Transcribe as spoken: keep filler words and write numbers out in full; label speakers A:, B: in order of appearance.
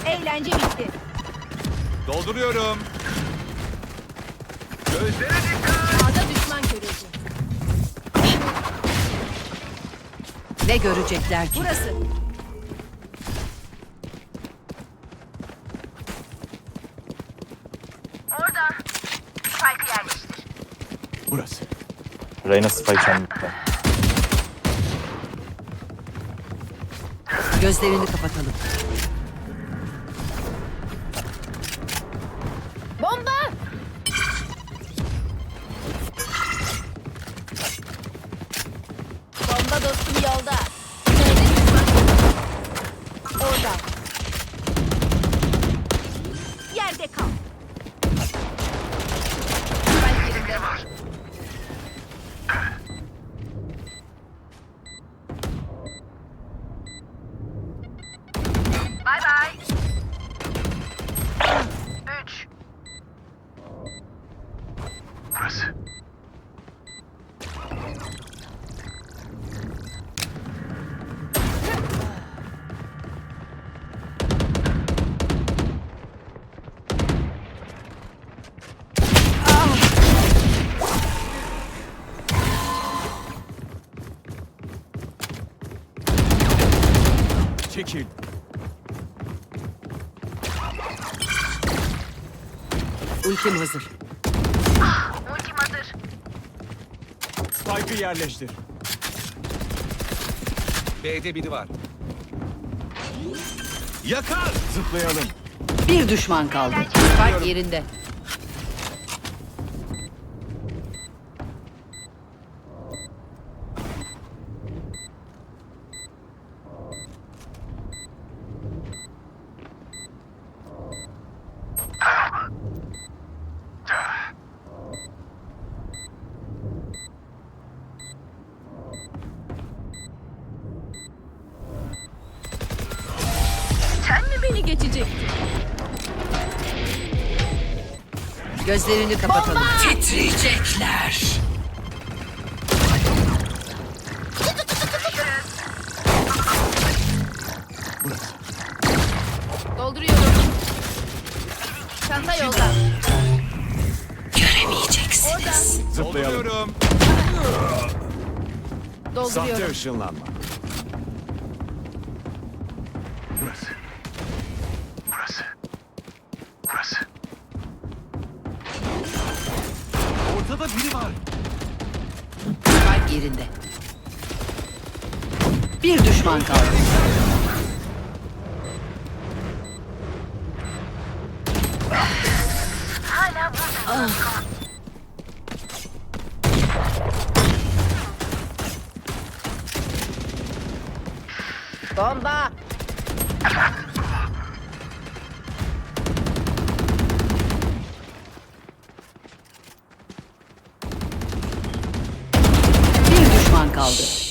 A: Eğlence bitti.
B: Dolduruyorum. Gözlere dikkat.
A: Sağda düşman görüldü.
C: Ne görecekler ki?
A: Burası.
D: Orada. Spike'ı yerleştir.
B: Burası.
E: Reyna spike kendine.
C: Gözlerini kapatalım.
A: Bomba! Bomba dostum yolda. Nerede düşman? Orada. Yerde kal. Spike yerinde var.
D: Bay bay. Üç.
B: Burası. Çekil.
C: Ultim hazır.
D: Ultim hazır.
B: Spike'ı yerleştir. B'de biri var. Yakar. Zıplayalım.
C: Bir düşman kaldı. Spike yerinde.
A: Sen mi beni geçecektin?
C: Gözlerini kapatalım. Titriyecekler.
B: Burası.
A: Dolduruyorum. Çanta yolda.
C: Göremeyeceksiniz.
B: Zıplayalım. Sahte
A: Dolduruyorum.
B: ışınlanma. Burası. Burası. Burası. Ortada biri var.
C: Spike yerinde. Bir düşman kaldı.
D: Hala burada.
A: Bomba!
C: Bir düşman kaldı.